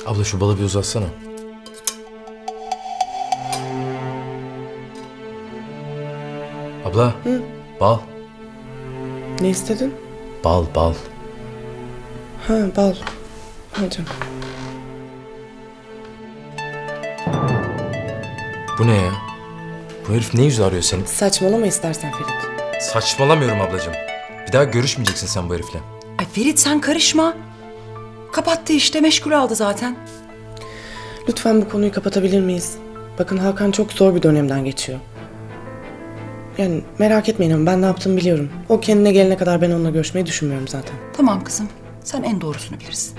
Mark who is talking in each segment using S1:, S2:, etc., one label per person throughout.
S1: Abla şu balı bir uzatsana. Abla.
S2: Hı?
S1: Bal.
S2: Ne istedin?
S1: Bal, bal.
S2: Ha, bal. Hadi.
S1: Bu ne ya? Bu herif ne yüzü arıyor seni?
S2: Saçmalama istersen Ferit.
S1: Saçmalamıyorum ablacığım. Bir daha görüşmeyeceksin sen bu herifle.
S3: Ay Ferit sen karışma. Kapattı işte, meşgul aldı zaten.
S2: Lütfen bu konuyu kapatabilir miyiz? Bakın Hakan çok zor bir dönemden geçiyor. Yani merak etmeyin ama ben ne yaptığımı biliyorum. O kendine gelene kadar ben onunla görüşmeyi düşünmüyorum zaten.
S3: Tamam kızım, sen en doğrusunu bilirsin.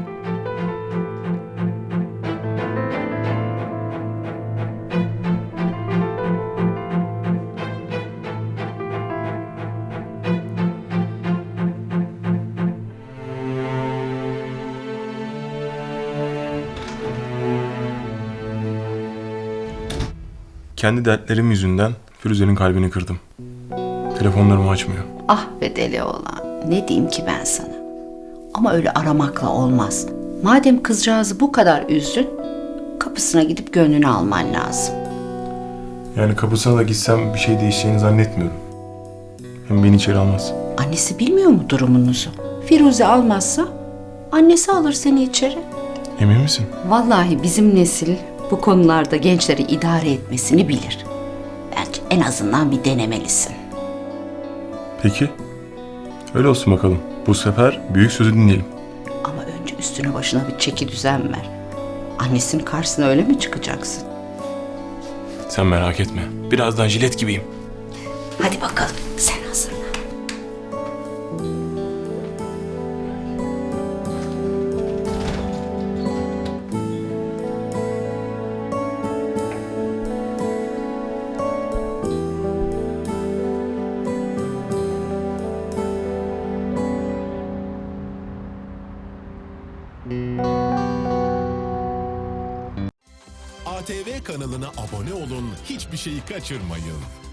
S4: Kendi dertlerim yüzünden Firuze'nin kalbini kırdım. Telefonlarımı açmıyor.
S5: Ah be deli oğlan, ne diyeyim ki ben sana? Ama öyle aramakla olmaz. Madem kızcağızı bu kadar üzdün, kapısına gidip gönlünü alman lazım.
S4: Yani kapısına da gitsem bir şey değişeceğini zannetmiyorum. Hem beni içeri almaz.
S5: Annesi bilmiyor mu durumunuzu? Firuze almazsa annesi alır seni içeri.
S4: Emin misin?
S5: Vallahi bizim nesil bu konularda gençleri idare etmesini bilir. Bence en azından bir denemelisin.
S4: Peki. Öyle olsun bakalım. Bu sefer büyük sözü dinleyelim.
S5: Ama önce üstüne başına bir çeki düzen ver. Annesinin karşısına öyle mi çıkacaksın?
S4: Sen merak etme. Birazdan jilet gibiyim.
S5: Hadi bakalım, sen hazırla.
S6: ATV kanalına abone olun, hiçbir şeyi kaçırmayın.